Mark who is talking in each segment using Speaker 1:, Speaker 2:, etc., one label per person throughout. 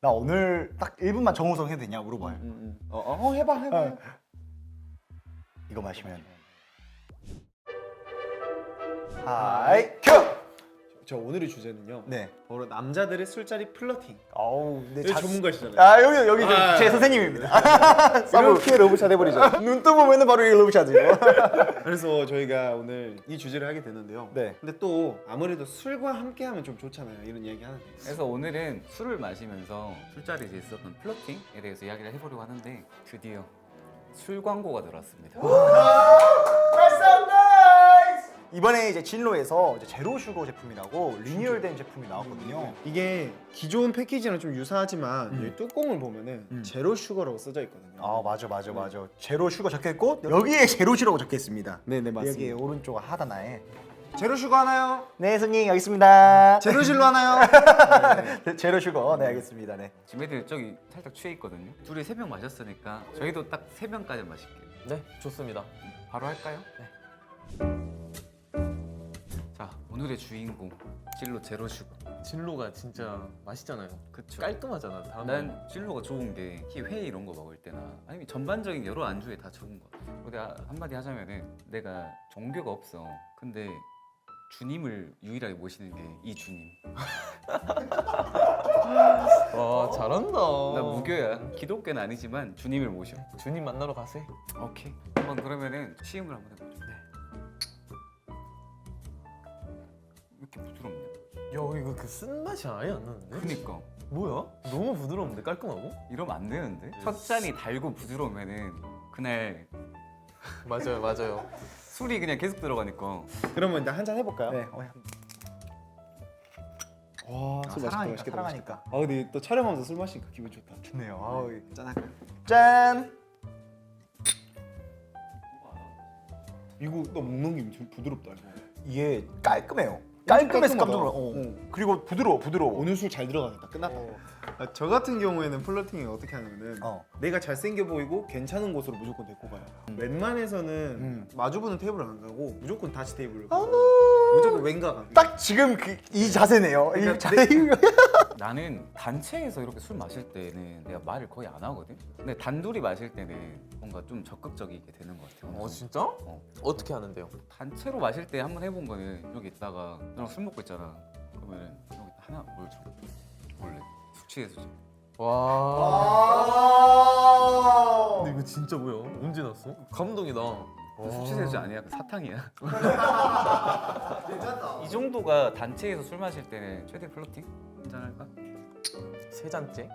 Speaker 1: 나 오늘 딱 1분만 정우성 해도 되냐 물어봐요.
Speaker 2: 해봐.
Speaker 1: 이거 마시면 하이 큐!
Speaker 2: 저 오늘의 주제는요.
Speaker 1: 네.
Speaker 2: 바로 남자들의 술자리 플러팅.
Speaker 1: 아우 네,
Speaker 2: 여기 전문가시잖아요.
Speaker 1: 아 여기 제 선생님입니다.
Speaker 2: 이렇게 러브샷 해버리죠.
Speaker 1: 눈 뜨보면은 바로 이 러브샷이에요.
Speaker 2: 그래서 저희가 오늘 이 주제를 하게 되는데요.
Speaker 1: 네.
Speaker 2: 근데 또 아무래도 술과 함께하면 좀 좋잖아요. 이런 얘기 하는데.
Speaker 3: 그래서 오늘은 술을 마시면서 술자리에서 있었던 플러팅에 대해서 이야기를 해보려고 하는데 드디어 술 광고가 들어왔습니다.
Speaker 1: 이번에 이제 진로에서 이제 제로 슈거 제품이라고 리뉴얼된 제품이 나왔거든요.
Speaker 2: 이게 기존 패키지랑 좀 유사하지만 여기 뚜껑을 보면은 제로 슈거라고 써져 있거든요.
Speaker 1: 아 맞아. 제로 슈거 적혀있고 여기에 제로 슈거라고 적혀있습니다.
Speaker 2: 네네
Speaker 1: 여기 오른쪽 하단에
Speaker 2: 제로 슈거 하나요?
Speaker 1: 네 손님 여기 있습니다.
Speaker 2: 제로 실로 하나요?
Speaker 1: 제로 슈거 네 알겠습니다. 네.
Speaker 3: 지금 애들 저기 살짝 취해 있거든요. 둘이 3병 마셨으니까 저희도 딱 3병까지 마실게요.
Speaker 4: 네, 좋습니다.
Speaker 3: 바로 할까요? 네. 자, 오늘의 주인공 진로 제로 슈거.
Speaker 4: 진로가 진짜 맛있잖아요.
Speaker 3: 그쵸.
Speaker 4: 깔끔하잖아. 다음에
Speaker 3: 난 진로가 좋은 게 특히 회 이런 거 먹을 때나 아니면 전반적인 여러 안주에 다 좋은 거. 내가 한마디 하자면은 내가 종교가 없어. 근데 주님을 유일하게 모시는 게 이 주님.
Speaker 4: 와 잘한다.
Speaker 3: 나 무교야. 기독교는 아니지만 주님을 모셔.
Speaker 4: 주님 만나러 가세요.
Speaker 3: 오케이. 한번 그러면은 시음을 한번 해보죠. 네. 왜 이렇게 부드럽냐?
Speaker 4: 야 이거 그 쓴맛이 아예 안 나는데?
Speaker 3: 그니까
Speaker 4: 뭐야? 너무 부드러운데 깔끔하고?
Speaker 3: 이러면 안 되는데? 첫 잔이 달고 부드러우면은 그날
Speaker 4: 맞아요.
Speaker 3: 술이 그냥 계속 들어가니까.
Speaker 2: 그러면 일단 한잔 해볼까요?
Speaker 1: 네.
Speaker 2: 와, 술 맛있다.
Speaker 1: 사랑하니까,
Speaker 2: 맛있겠다.
Speaker 1: 사랑하니까.
Speaker 2: 맛있겠다. 아 근데 또 촬영하면서 술 마시니까 기분 좋다.
Speaker 1: 좋네요. 아우,
Speaker 2: 짠할까요?
Speaker 1: 짠.
Speaker 2: 이거 나 먹는 게 좀 부드럽다 이거.
Speaker 1: 이게 깔끔해요. 깔끔해서 깜짝 놀라.
Speaker 2: 깔끔하다.
Speaker 1: 그리고 부드러워.
Speaker 2: 오늘 술 잘 들어가겠다. 끝났다. 아, 저 같은 경우에는 플러팅이 어떻게 하냐면은 내가 잘생겨 보이고 괜찮은 곳으로 무조건 데리고 가요. 웬만해서는 마주보는 테이블을 안 가고 무조건 다시 테이블을 가고 무조건 왼가 가.
Speaker 1: 딱 지금 이 자세네요. 이
Speaker 2: 그러니까
Speaker 1: 자세.
Speaker 3: 나는 단체에서 이렇게 술 마실 때는 내가 말을 거의 안 하거든? 근데 단둘이 마실 때는 뭔가 좀 적극적이게 되는 것 같아.
Speaker 4: 진짜?
Speaker 3: 어.
Speaker 4: 어떻게 하는데요?
Speaker 3: 단체로 마실 때 한번 해본 거는 여기 있다가 너랑 술 먹고 있잖아. 그러면 여기 하나 뭘 줘? 원래 술 취해서 줘.
Speaker 4: 와. 근데 이거 진짜 뭐야? 언제 났어? 감동이다.
Speaker 3: 술 취해서 아니야. 그 사탕이야. 이 정도가 단체에서 술 마실 때는 최대 플러팅? 한잔 할까?
Speaker 4: 세 잔째?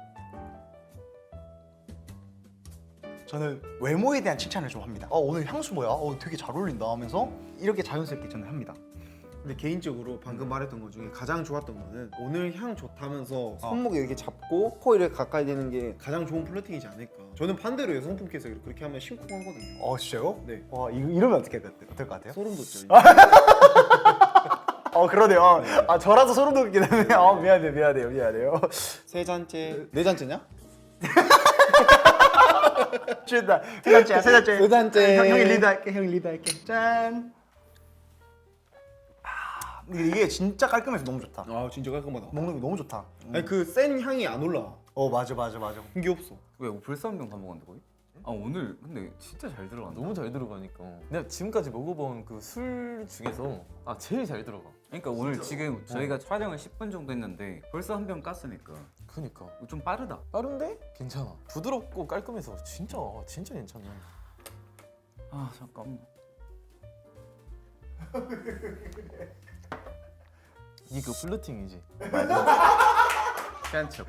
Speaker 1: 저는 외모에 대한 칭찬을 좀 합니다. 오늘 향수 뭐야? 되게 잘 어울린다 하면서 이렇게 자연스럽게 저는 합니다.
Speaker 2: 근데 개인적으로 방금 말했던 것 중에 가장 좋았던 거는 오늘 향 좋다면서 손목 이렇게 잡고 코 이렇게 가까이 대는 게 가장 좋은 플러팅이지 않을까. 저는 반대로 여성분께서 그렇게 하면 심쿵하거든요.
Speaker 1: 진짜요?
Speaker 2: 네.
Speaker 1: 와 이러면 어떨 것 같아요?
Speaker 2: 소름 돋죠.
Speaker 1: 그러네요. 저라도 소름 돋긴 하네. 미안해요.
Speaker 2: 세 잔째, 네 잔째냐?
Speaker 1: 취했다. 세 잔째.
Speaker 2: 세 잔째.
Speaker 1: 형이 리드할게. 짠. 근데 이게 진짜 깔끔해서 너무 좋다.
Speaker 2: 아 진짜 깔끔하다.
Speaker 1: 먹는 게 너무 좋다.
Speaker 2: 아니 그 센 향이 안 올라와.
Speaker 1: 맞아.
Speaker 2: 그게 없어.
Speaker 3: 왜 벌써 한 병 다 먹었는데 거의? 오늘 근데 진짜 잘 들어간다.
Speaker 4: 너무 잘 들어가니까. 내가 지금까지 먹어본 그 술 중에서 제일 잘 들어가.
Speaker 3: 그러니까 오늘 지금 저희가 촬영을 10분 정도 했는데 벌써 한 병 깠으니까
Speaker 4: 그니까
Speaker 3: 좀 빠르다.
Speaker 4: 빠른데 괜찮아. 부드럽고 깔끔해서 진짜 괜찮네.
Speaker 3: 아 잠깐만.
Speaker 4: 이게 그 플러팅이지.
Speaker 3: 취한 척.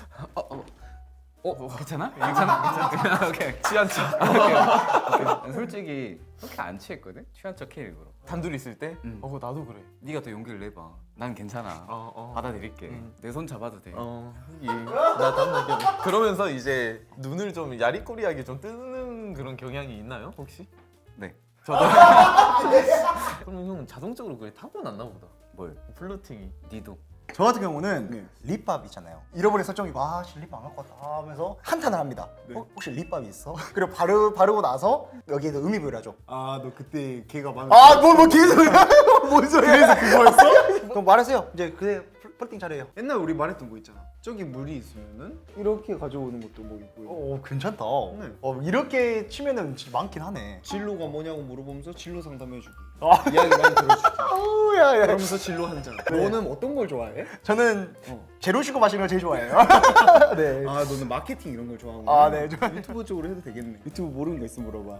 Speaker 3: 괜찮아? 괜찮아? 오케이.
Speaker 4: 취한 척.
Speaker 3: 오케이. 솔직히 그렇게 안 취했거든? 취한 척 해 일부러.
Speaker 4: 단둘이 있을 때?
Speaker 3: 응.
Speaker 4: 나도 그래.
Speaker 3: 네가 더 용기를 내봐. 난 괜찮아. 받아들일게. 내 손 잡아도 돼.
Speaker 4: 나 다음 날 그러면서 이제 눈을 좀 야리꼬리하게 좀 뜨는 그런 경향이 있나요 혹시?
Speaker 3: 네.
Speaker 4: 저도. 그럼 형은 자동적으로 그게 타고났나 보다.
Speaker 3: 뭘?
Speaker 4: 플러팅이.
Speaker 3: 니도.
Speaker 1: 저 같은 경우는
Speaker 2: 네.
Speaker 1: 립밥 있잖아요. 잃어버린 설정이고 립밥 안 갖고 왔다 하면서 한탄을 합니다.
Speaker 2: 네.
Speaker 1: 혹시 립밥이 있어? 그리고 바르고 나서 여기에서 의미부여를 하죠.
Speaker 2: 아 너 그때 걔가 많은.
Speaker 1: 뭐 개소리야? 뭔 소리야? 그래서 그거였어? 그럼 말하세요. 이제 그래 플러팅 잘해요.
Speaker 2: 옛날 우리 말했던 거 있잖아. 저기 물이 있으면은 이렇게 가져오는 것도 뭐 있고요.
Speaker 1: 오 괜찮다.
Speaker 2: 네.
Speaker 1: 이렇게 치면은 진짜 많긴 하네.
Speaker 2: 진로가 뭐냐고 물어보면서 진로 상담해주기.
Speaker 1: 아.
Speaker 2: 이야기 많이 들어주기.
Speaker 1: 야야.
Speaker 2: 그러면서 진로 한 잔. 너는 어떤 걸 좋아해?
Speaker 1: 저는
Speaker 2: 어.
Speaker 1: 제로 시고 마시는 걸 제일 좋아해요. 네.
Speaker 2: 아 너는 마케팅 이런 걸 좋아하고.
Speaker 1: 아, 네.
Speaker 2: 유튜브 쪽으로 해도 되겠네. 유튜브 모르는 거 있으면 물어봐.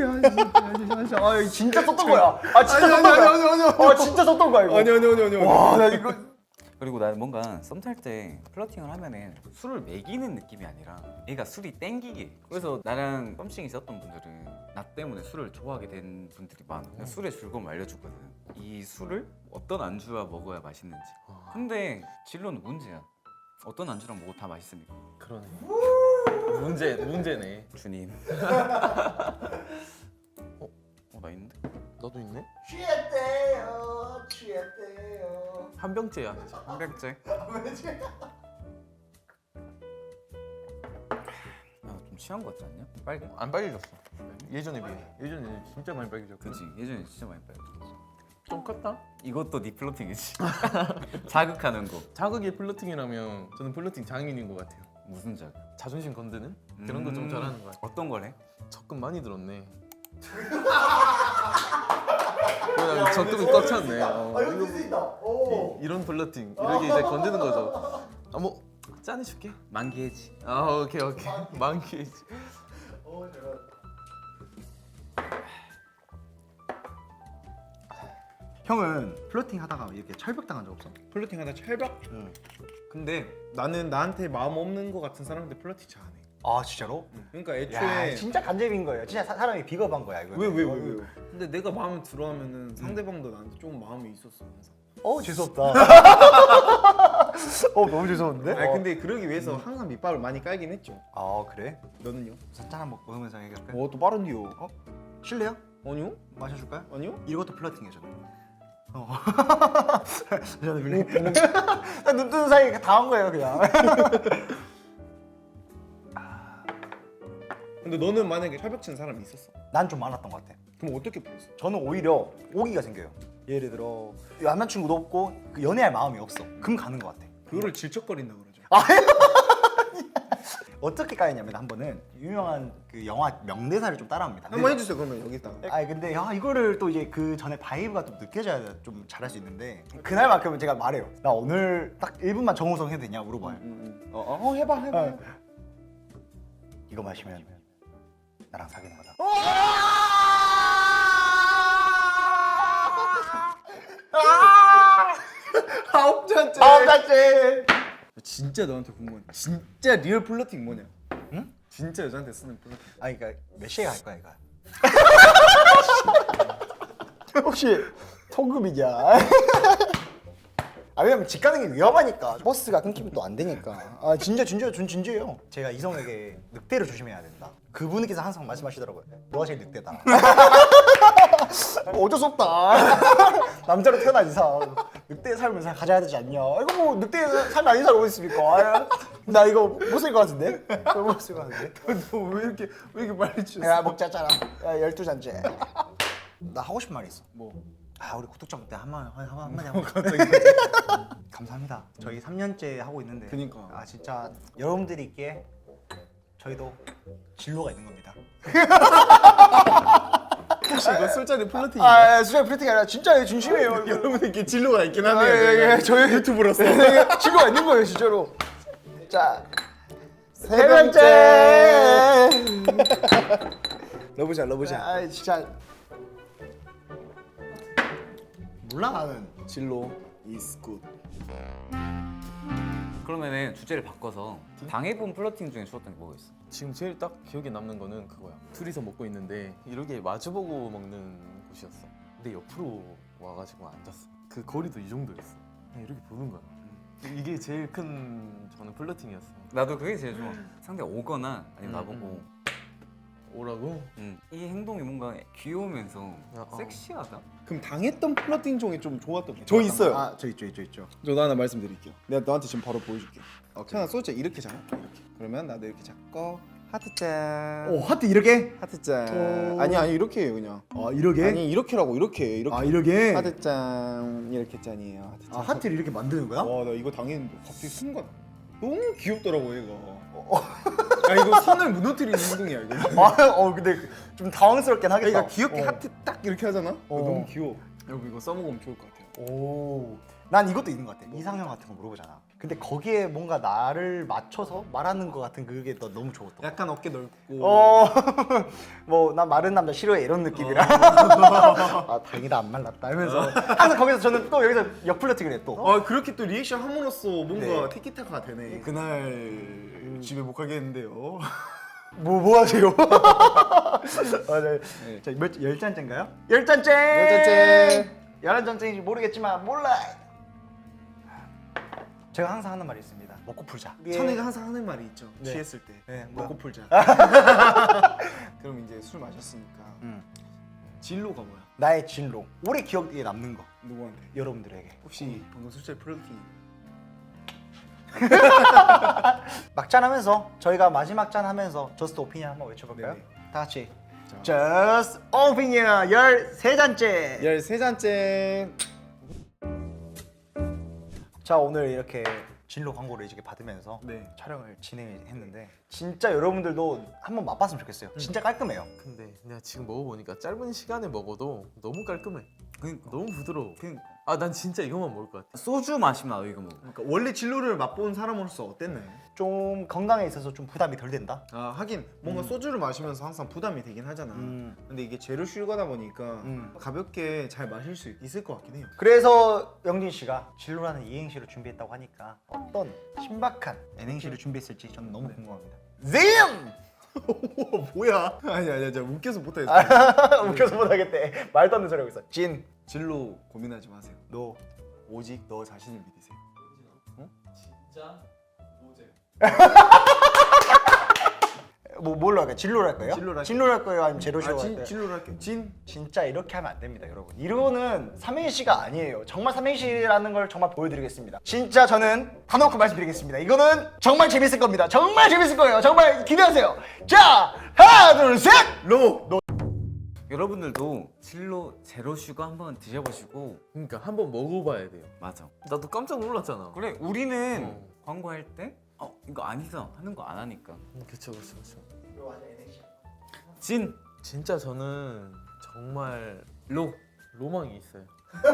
Speaker 1: 아 진짜 썼던 거야. 아 진짜 썼던 거야. 아 진짜 썼던 거야 이거.
Speaker 2: 아니.
Speaker 1: 와, 나 이거
Speaker 3: 그리고 나는 뭔가 썸 탈 때 플러팅을 하면은 술을 먹이는 느낌이 아니라 얘가 술이 땡기게. 그래서 나랑 썸씽이 있었던 분들은 나 때문에 술을 좋아하게 된 분들이 많아. 그냥 술의 즐거움을 알려주거든. 이 술을 어떤 안주와 먹어야 맛있는지. 근데 진로는 문제야. 어떤 안주랑 먹어도 다 맛있으니까.
Speaker 4: 그러네. 문제네.
Speaker 3: 주님. 나 있는데?
Speaker 4: 너도 있네?
Speaker 1: 취했대요.
Speaker 4: 한 병째야.
Speaker 3: 한백제. 좀 취한 거 같지 않냐? 빨개?
Speaker 4: 안 빨개졌어. 예전에 비해. 예전에 진짜 많이 빨개졌고.
Speaker 3: 그치. 예전에 진짜 많이 빨개졌어.
Speaker 4: 좀 컸다?
Speaker 3: 이것도 네 플러팅이지. 자극하는 거.
Speaker 4: 자극이 플러팅이라면 저는 플러팅 장인인 것 같아요.
Speaker 3: 무슨 자극?
Speaker 4: 자존심 건드는 그런 거 좀 잘하는 것 같아요.
Speaker 3: 어떤 걸 해?
Speaker 4: 적금 많이 들었네. 그냥 적금이 꽉 찼네.
Speaker 1: 이거 있다.
Speaker 4: 이런 플러팅 이렇게 이제 건드는 거죠. 뭐 짠해 줄게.
Speaker 3: 만기해지.
Speaker 4: 오케이. 만기지.
Speaker 1: 형은 플러팅 하다가 이렇게 철벽 당한 적 없어?
Speaker 2: 플러팅하다 철벽.
Speaker 1: 응.
Speaker 2: 근데 나는 나한테 마음 없는 거 같은 사람한테 플러팅 잘 안 해.
Speaker 1: 아 진짜로?
Speaker 2: 그러니까
Speaker 1: 야
Speaker 2: 애초에
Speaker 1: 진짜 간접인 거예요. 진짜 사람이 비겁한 거야 이거.
Speaker 2: 왜? 근데 내가 마음에 들어하면은 상대방도 나한테 조금 마음이 있었어 항상.
Speaker 1: 재수없다. 너무 죄송한데?
Speaker 2: 아니 근데 그러기 위해서 항상 밑밥을 많이 깔긴 했죠.
Speaker 1: 아 그래?
Speaker 2: 너는요?
Speaker 1: 짠 한번 먹으면서 얘기할까요?
Speaker 2: 또 빠른디요.
Speaker 1: 실례요?
Speaker 2: 아니요?
Speaker 1: 마셔줄까요?
Speaker 2: 아니요?
Speaker 1: 이것도 플러팅이에요 저는. 저는 원래 눈 뜨는 사이에 다 한 거예요 그냥.
Speaker 2: 근데 너는 만약에 철벽 치는 사람이 있었어.
Speaker 1: 난 좀 많았던 것 같아.
Speaker 2: 그럼 어떻게 풀었어?
Speaker 1: 저는 오히려 오기가 생겨요. 예를 들어 남자친구도 없고 그 연애할 마음이 없어. 그럼 가는 것 같아.
Speaker 2: 그거를 질척거린다 그러죠.
Speaker 1: 어떻게 까였냐면 한 번은 유명한 그 영화 명대사를 좀 따라합니다.
Speaker 2: 한번 해주세요 그러면 여기다가.
Speaker 1: 근데 이거를 또 이제 그 전에 바이브가 좀 느껴져야 좀 잘할 수 있는데 그날만큼은 제가 말해요. 나 오늘 딱 1분만 정우성 해도 되냐 물어봐요.
Speaker 2: 해봐.
Speaker 1: 이거 마시면 나랑 사귀는 거다.
Speaker 2: 아홉 잔째. 진짜 너한테 궁금해. 진짜 리얼 플러팅 뭐냐?
Speaker 1: 응?
Speaker 2: 진짜 여자한테 쓰는 플러팅.
Speaker 1: 그러니까 몇 시에 갈 거야 이거? 혹시 통금이냐? 왜냐면 집 가는 게 위험하니까 버스가 끊기면 또 안 되니까. 진짜 전 진지해요. 제가 이성에게 늑대를 조심해야 된다. 그분께서 항상 말씀하시더라고요. 너가 제일 늑대다. 어쩔 수 없다. 남자로 태어난 이상 늑대의 삶을 가져야 되지 않냐. 이거 뭐 늑대의 삶이 아닌 사람 어디 있습니까? 나 이거 못 쓸 것 같은데? 못 쓸 것 같은데?
Speaker 2: 너 왜 이렇게 빨리 치셨어?
Speaker 1: 야 먹자잖아. 12잔째. 나 하고 싶은 말이 있어.
Speaker 2: 뭐?
Speaker 1: 우리 구독자분들 한마디 하고. 감사합니다. 저희 3년째 하고 있는데.
Speaker 2: 그니까.
Speaker 1: 진짜 여러분들이 있기에 저희도 진로가 있는 겁니다.
Speaker 2: 혹시 이거 술자리 플러팅이에요?
Speaker 1: 수정 프리팅이 아니라 진짜 진심이에요.
Speaker 2: 여러분들께 진로가 있긴 하네요.
Speaker 1: 저희
Speaker 2: 유튜브로서.
Speaker 1: 진로가 있는 거예요, 진짜로. 자, 세 번째.
Speaker 2: 러브샷.
Speaker 1: 진짜 몰라 나는.
Speaker 2: 진로 is good.
Speaker 3: 그러면은 주제를 바꿔서 당해본 플러팅 중에 좋았던 게 뭐가 있어?
Speaker 4: 지금 제일 딱 기억에 남는 거는 그거야. 둘이서 먹고 있는데 이렇게 마주보고 먹는 곳이었어. 근데 옆으로 와가지고 앉았어. 그 거리도 이 정도였어. 그냥 이렇게 보는 거야. 이게 제일 큰 저는 플러팅이었어.
Speaker 3: 나도 그게 제일 좋아. 상대가 오거나 아니면 나보고
Speaker 4: 오라고?
Speaker 3: 이 행동이 뭔가 귀여우면서
Speaker 4: 야,
Speaker 3: 섹시하다?
Speaker 2: 그럼 당했던 플러팅 중에 좀 좋았던 게?
Speaker 1: 저 있어요. 저 있죠.
Speaker 2: 저도 하나 말씀드릴게요. 내가 너한테 지금 바로 보여줄게. 찬아 소주 이렇게 잡을게. 이렇게. 그러면 나도 이렇게 잡고 하트 짠.
Speaker 1: 하트 이렇게?
Speaker 2: 하트 짠. 아니 이렇게 해요 그냥.
Speaker 1: 이렇게?
Speaker 2: 아니 이렇게라고 이렇게.
Speaker 1: 이렇게?
Speaker 2: 하트 짠. 이렇게 짠이에요. 하트 짠.
Speaker 1: 하트를 이렇게 만드는 거야?
Speaker 2: 와 나 이거 당했는데 갑자기 순간. 너무 귀엽더라고 얘가. 아 이거 선을 무너뜨리는 행동이야 이거.
Speaker 1: 근데 좀 당황스럽긴 하겠다.
Speaker 2: 얘가 귀엽게
Speaker 1: 어.
Speaker 2: 하트 딱 이렇게 하잖아. 너무 귀여워. 여러분 이거 써먹으면 좋을 것 같아요.
Speaker 1: 오, 난 이것도 있는 것 같아. 이상형 같은 거 물어보잖아. 근데 거기에 뭔가 나를 맞춰서 말하는 것 같은 그게 너 너무 좋았던 거.
Speaker 2: 약간 어깨 넓고.
Speaker 1: 뭐 난 마른 남자 싫어해 이런 느낌이라. 아 다행이다 안 말랐다 하면서 항상 거기서 저는 또 여기서 역플러팅을 해 또.
Speaker 2: 그렇게 또 리액션 함으로써 뭔가
Speaker 1: 네.
Speaker 2: 티키타카가 되네. 그날 집에 못 가겠는데요.
Speaker 1: 뭐 하세요?
Speaker 2: 네.
Speaker 1: 자, 열 잔째인가요? 열 잔째. 11잔째인지 모르겠지만 몰라. 제가 항상 하는 말이 있습니다. 먹고 풀자.
Speaker 2: 천이가 항상 하는 말이 있죠.
Speaker 1: 네.
Speaker 2: 취했을 때.
Speaker 1: 네, 뭐야?
Speaker 2: 먹고 풀자. 그럼 이제 술 마셨으니까 진로가 뭐야?
Speaker 1: 나의 진로. 오래 기억에 남는 거.
Speaker 2: 누구한테?
Speaker 1: 여러분들에게.
Speaker 2: 혹시 방금 술자리 플러팅
Speaker 1: 막잔하면서 저희가 마지막 잔 하면서 저스트 오피니언 한번 외쳐볼까요?
Speaker 2: 네네.
Speaker 1: 다 같이.
Speaker 2: 자.
Speaker 1: 저스트 오피니언 13잔째.
Speaker 2: 13잔째.
Speaker 1: 자 오늘 이렇게 진로 광고를 이렇게 받으면서
Speaker 2: 네.
Speaker 1: 촬영을 진행했는데 진짜 여러분들도 한번 맛봤으면 좋겠어요. 진짜 깔끔해요.
Speaker 4: 근데 내가 지금 먹어보니까 짧은 시간에 먹어도 너무 깔끔해.
Speaker 3: 그러니까.
Speaker 4: 너무 부드러워.
Speaker 3: 그러니까.
Speaker 4: 아 난 진짜 이것만 먹을 것 같아.
Speaker 3: 소주 마시면 나도 이거 먹어.
Speaker 2: 그러니까 원래 진로를 맛본 사람으로서 어땠나요?
Speaker 1: 좀 건강에 있어서 좀 부담이 덜 된다.
Speaker 2: 아 하긴 뭔가 소주를 마시면서 항상 부담이 되긴 하잖아. 근데 이게 제로 슈거다 보니까 가볍게 잘 마실 수 있을 것 같긴 해요.
Speaker 1: 그래서 영진 씨가 진로라는 이행시를 준비했다고 하니까 어떤 신박한 N행시를 준비했을지 저는 너무 궁금합니다. 잼!
Speaker 2: 우와 뭐야? 아니 저 웃겨서 못하겠어.
Speaker 1: 웃겨서 못하겠대. 말도 안 되는 소리 하고 있어. 진,
Speaker 2: 진로 고민하지 마세요.
Speaker 1: 노.
Speaker 2: 오직 너 자신을 믿으세요.
Speaker 4: 진짜 오제.
Speaker 1: 뭘로 할까요? 진로로 할까요?
Speaker 2: 진로로 할게요.
Speaker 1: 진로로 할 거예요? 아니면 제로시로 할까요?
Speaker 2: 진로로 할게요. 진.
Speaker 1: 진짜 이렇게 하면 안 됩니다, 여러분. 이거는 삼행시가 아니에요. 정말 삼행시라는 걸 정말 보여드리겠습니다. 진짜 저는 다 놓고 말씀드리겠습니다. 이거는 정말 재밌을 겁니다. 정말 재밌을 거예요. 정말 기대하세요. 자, 하나, 둘, 셋!
Speaker 2: 로.
Speaker 3: 여러분들도 진로 제로 슈거 한번 드셔보시고.
Speaker 4: 그러니까 한번 먹어봐야 돼요.
Speaker 3: 맞아.
Speaker 4: 나도 깜짝 놀랐잖아.
Speaker 3: 그래 우리는 광고할 때 이거 아니다 하는 거 안 하니까.
Speaker 4: 그쵸.
Speaker 3: 진
Speaker 4: 진짜 저는 정말
Speaker 3: 로.
Speaker 4: 로망이 있어요.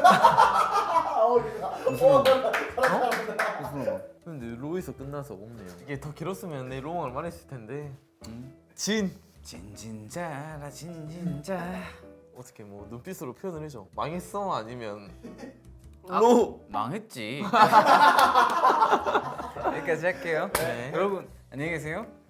Speaker 3: 무슨 거?
Speaker 4: 근데 로에서 끝나서 없네요. 이게 더 길었으면 내 로망을 말했을 텐데. 진.
Speaker 3: 진진자라 진진자.
Speaker 4: 어떻게 뭐 눈빛으로 표현을 해줘. 망했어 아니면
Speaker 3: 로. 망했지. 여기까지 할게요.
Speaker 4: 네.
Speaker 3: 여러분 안녕히 계세요.